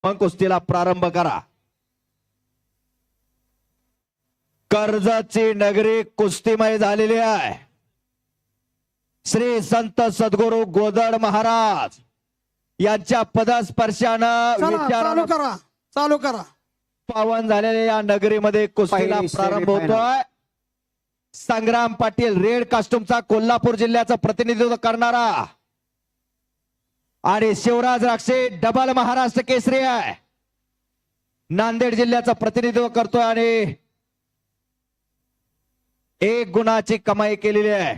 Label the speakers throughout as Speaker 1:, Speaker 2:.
Speaker 1: मग कुस्तीला प्रारंभ करा. कर्जतची नगरी कुस्तीमय झालेली आहे. श्री संत सद्गुरु गोदड महाराज यांच्या पदस्पर्शानं
Speaker 2: चालू करा
Speaker 1: पावन झालेल्या या नगरीमध्ये कुस्तीला प्रारंभ होतोय. संग्राम पाटील रेड कास्टूमचा कोल्हापूर जिल्ह्याचं प्रतिनिधित्व करणारा आणि शिवराज राक्षे डबल महाराष्ट्र केसरी आहे, नांदेड जिल्ह्याचं प्रतिनिधित्व करतोय आणि 1 गुणाची कमाई केलेली आहे.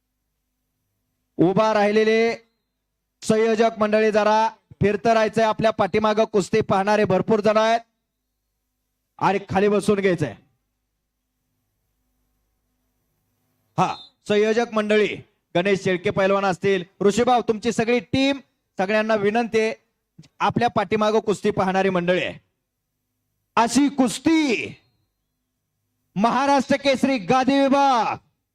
Speaker 1: उभा राहिलेले संयोजक मंडळी जरा फिरत राहायचंय. आपल्या पाठीमागं कुस्ती पाहणारे भरपूर जण आहेत आणि खाली बसून घ्यायचंय. हा, संयोजक मंडळी गणेश शेळके पैलवान असतील, ऋषीभाऊ तुमची सगळी टीम, सगळ्यांना विनंती आहे, आपल्या पाठीमागं कुस्ती पाहणारी मंडळी आहे. अशी कुस्ती महाराष्ट्र केसरी गादी विभाग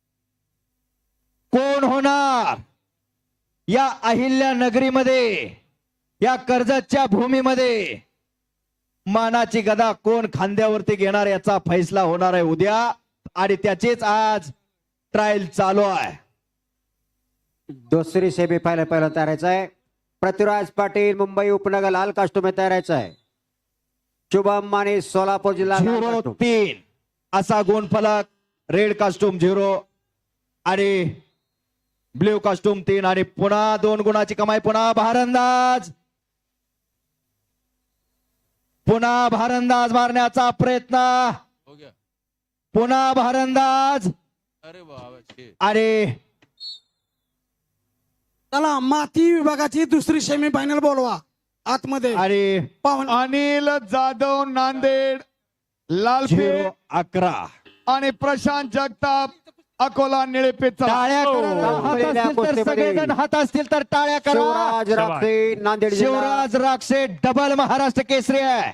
Speaker 1: कोण होणार? या अहिल्या नगरीमध्ये, या कर्जतच्या भूमीमध्ये मानाची गदा कोण खांद्यावरती घेणार याचा फैसला होणार आहे उद्या, आणि त्याचीच आज ट्रायल चालू आहे.
Speaker 3: दुसरी सेमीफायनल पहिला तयारायचं आहे. पृथ्वीराज पाटील मुंबई उपनगर लाल कास्टूम तयारायचं आहे. शुभम माने सोलापूर जिल्हा
Speaker 1: 0-3 असा गुणफलक. रेड कास्टूम 0 आणि ब्ल्यू कास्टूम 3 आणि पुन्हा 2 गुणाची कमाई. पुन्हा भारंदाज, पुन्हा भारंदाज मारण्याचा प्रयत्न, पुन्हा भारंदाज. आणि
Speaker 2: चला माती विभागाची दुसरी सेमीफायनल बोलवा आतमध्ये.
Speaker 1: आणि
Speaker 4: अनिल जाधव नांदेड लालपेठ
Speaker 1: 0-11
Speaker 4: आणि प्रशांत जगताप अकोला निळेपेठ.
Speaker 1: टाळ्या करा. हात असतील तर सगळेजण हात असतील तर टाळ्या करा.
Speaker 3: शिवराज राक्षे नांदेड जिल्हा.
Speaker 1: शिवराज राक्षे डबल महाराष्ट्र केसरी आहे.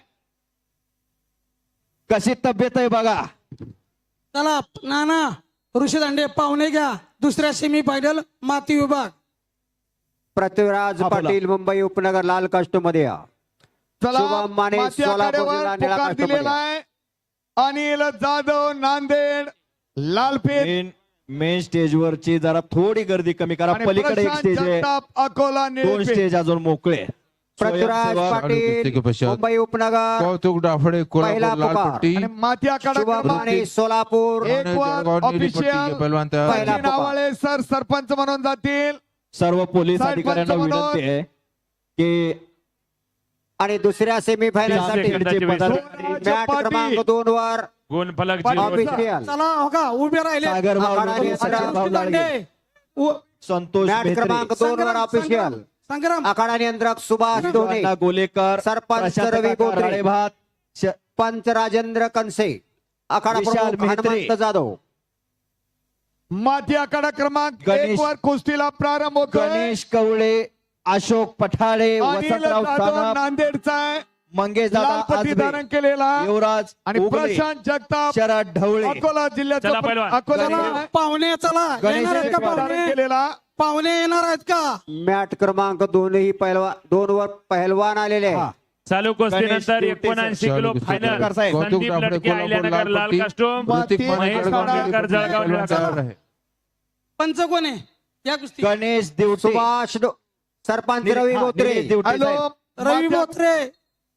Speaker 1: कशी तब्येत आहे बघा.
Speaker 2: चला नाना ऋषी दांडे पाहुणे घ्या. दुसऱ्या सेमीफायनल माती विभाग.
Speaker 3: पृथ्वीराज पाटील मुंबई उपनगर लाल कास्टूम मध्ये या.
Speaker 4: चला
Speaker 3: शुभम माने
Speaker 4: माती
Speaker 3: सोलापूर
Speaker 4: आखाड्यावर
Speaker 3: जिल्हा निळा
Speaker 4: पुकार
Speaker 3: कास्टूम
Speaker 4: दिलेला
Speaker 3: मध्ये.
Speaker 4: आहे. अनिल जाधव नांदेड लालपेठ
Speaker 1: मेन स्टेज वरची जरा थोडी गर्दी कमी करा.
Speaker 4: आणि
Speaker 1: पलीकडे एक
Speaker 4: प्रशांत
Speaker 1: स्टेज आहे,
Speaker 4: जगताप अकोला
Speaker 1: 2
Speaker 4: निळेपेठ.
Speaker 1: स्टेज अजून मोकळे.
Speaker 3: पृथ्वीराज
Speaker 1: स्वयंसेवक
Speaker 3: पाटील मुंबई उपनगर
Speaker 5: कौतुक डाफडे
Speaker 3: पहिला
Speaker 5: कोल्हापूर लाल
Speaker 3: पुकार.
Speaker 5: पट्टी
Speaker 4: आणि माती आखाडा
Speaker 3: शुभम
Speaker 4: क्रमांक
Speaker 3: माने सोलापूर
Speaker 4: एक वर
Speaker 5: जळगाव नीली पट्टी
Speaker 4: ऑफिशियल
Speaker 5: के पहलवान तयार.
Speaker 3: पहिला
Speaker 4: सचिन आवाळे सर सरपंच म्हणून जातील.
Speaker 1: सर्व पोलीस
Speaker 4: साहेब
Speaker 1: अधिकाऱ्यांना
Speaker 4: पंच म्हणून.
Speaker 1: विनंती आहे की
Speaker 3: आणि दुसऱ्या सेमीफायनल साठी
Speaker 1: नांदेडचे पदाधिकारी
Speaker 3: मॅट क्रमांक 2 वर
Speaker 6: गुणफलक
Speaker 3: ऑफिशियल
Speaker 2: चला हो का उभे राहिले.
Speaker 1: सागर भाऊ
Speaker 3: आखाडा
Speaker 1: लोणी,
Speaker 3: आणि
Speaker 1: सचिन भाऊ
Speaker 2: ऋषी
Speaker 1: लाडगे,
Speaker 2: दांडे
Speaker 1: संतोष
Speaker 3: मॅट
Speaker 1: मेहत्रे,
Speaker 3: क्रमांक 2 वर ऑफिशियल
Speaker 2: संग्राम
Speaker 3: आखाडा नियंत्रक सुभाष डोणे,
Speaker 1: अण्णा गोलेकर,
Speaker 3: सरपंच
Speaker 1: प्रशांत
Speaker 3: रवी
Speaker 1: काका
Speaker 3: बोत्रे,
Speaker 1: राळेभात,
Speaker 3: पंच राजेंद्र कनसे, आखाडा
Speaker 1: विशाल
Speaker 3: प्रमुख
Speaker 1: मेहत्रे,
Speaker 3: हनुमंत जाधव.
Speaker 4: माती आखाडा क्रमांक
Speaker 1: गणेश-
Speaker 4: 1 वर कुस्तीला प्रारंभ होतोय.
Speaker 1: गणेश कवळे, अशोक पठाळे,
Speaker 4: अनिल
Speaker 1: वसंतराव
Speaker 4: जाधव
Speaker 1: सानप,
Speaker 4: नांदेडचा आहे.
Speaker 1: मंगेश
Speaker 4: लाल
Speaker 1: दादा
Speaker 4: पट्टी
Speaker 1: आजबे,
Speaker 4: धारण केलेला
Speaker 1: युवराज
Speaker 4: आणि
Speaker 1: उगले,
Speaker 4: प्रशांत जगताप
Speaker 1: शरद ढवळे,
Speaker 4: अकोला जिल्ह्याचा
Speaker 6: चला पहिलवान.
Speaker 4: अकोला
Speaker 2: चला पाहुणे चला
Speaker 1: गणेश
Speaker 2: येणार आहेत का
Speaker 1: शेळके
Speaker 4: धारण
Speaker 2: पाहुणे?
Speaker 4: केलेला.
Speaker 2: पाहुणे येणार आहेत का?
Speaker 3: मॅट क्रमांक 2 ही पहिलवान 2 वर पहिलवान आलेले
Speaker 1: हा.
Speaker 3: आहे.
Speaker 6: चालू कुस्तीनंतर
Speaker 1: गणेश शेळके
Speaker 6: 79 किलो
Speaker 5: चालू
Speaker 6: फायनल
Speaker 1: कुस्ती साहेब.
Speaker 5: कौतुक
Speaker 6: संदीप
Speaker 5: डाफडे
Speaker 6: लटके
Speaker 5: कोल्हापूर
Speaker 6: अहिल्यानगर
Speaker 5: लाल
Speaker 6: लाल
Speaker 5: पट्टी.
Speaker 6: कास्टूम
Speaker 5: ऋतिक माने
Speaker 4: महेश
Speaker 5: जळगाव
Speaker 4: खाडा,
Speaker 5: नीली पट्टी के
Speaker 6: जळगाव
Speaker 5: पहलवान
Speaker 6: निळा
Speaker 5: तयार
Speaker 6: कास्टूम.
Speaker 5: आहे.
Speaker 2: पंच कोण आहे या कुस्ती?
Speaker 1: गणेश देवटे,
Speaker 3: सुभाष सरपंच रवी बोत्रे.
Speaker 1: निलेश देवटे
Speaker 4: हॅलो
Speaker 1: साहेब.
Speaker 2: रवी
Speaker 4: माती-
Speaker 2: बोत्रे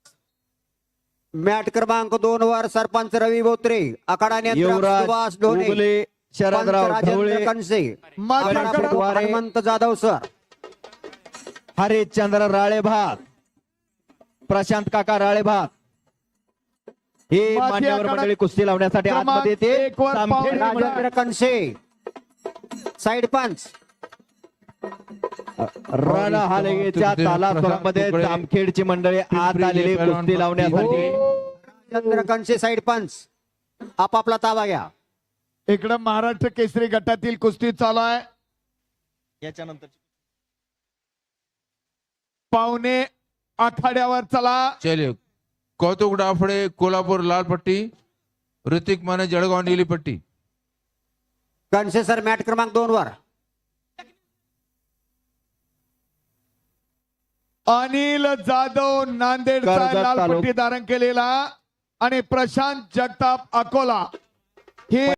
Speaker 3: मॅट क्रमांक 2 वर सरपंच रवी बोत्रे, आखाडा नियंत्रक
Speaker 1: युवराज
Speaker 3: सुभाष डोणे,
Speaker 1: उगले,
Speaker 3: पंच
Speaker 1: शरदराव
Speaker 3: राजेंद्र
Speaker 1: ढवळे,
Speaker 3: कनसे,
Speaker 4: माती
Speaker 3: आखाडा
Speaker 4: आखाडा
Speaker 3: प्रमुख
Speaker 1: वारे.
Speaker 3: हनुमंत जाधव सर.
Speaker 1: हरिश्चंद्र राळेभात, प्रशांत काका राळेभात, हे
Speaker 4: माती
Speaker 1: मान्यवर
Speaker 4: आखाडा
Speaker 1: मंडळी कुस्ती लावण्यासाठी
Speaker 4: क्रमांक
Speaker 1: आतमध्ये ते
Speaker 4: 1 वर
Speaker 1: जामखेड
Speaker 4: पाहुणे
Speaker 3: राजेंद्र कनसे साइड पंच.
Speaker 1: रण हालगेच्या तालासोरामध्ये जामखेडची मंडळी आत आलेली कुस्ती लावण्यासाठी.
Speaker 3: राजेंद्र कनसे साइड पंच. आपापला ताबा घ्या.
Speaker 4: इकडं महाराष्ट्र केसरी गटातील कुस्ती चालू आहे.
Speaker 1: याच्यानंतर
Speaker 4: पाहुणे आखाड्यावर चला.
Speaker 5: चलिए कौतुक डाफडे कोल्हापूर लाल पट्टी, ऋतिक माने जळगाव नीली पट्टी.
Speaker 3: कनसे सर मॅट क्रमांक 2 वर.
Speaker 4: अनिल जाधव नांदेडचा
Speaker 1: कर्जत
Speaker 4: लाल
Speaker 1: तालुका.
Speaker 4: पट्टी धारण केलेला आणि प्रशांत जगताप अकोला हे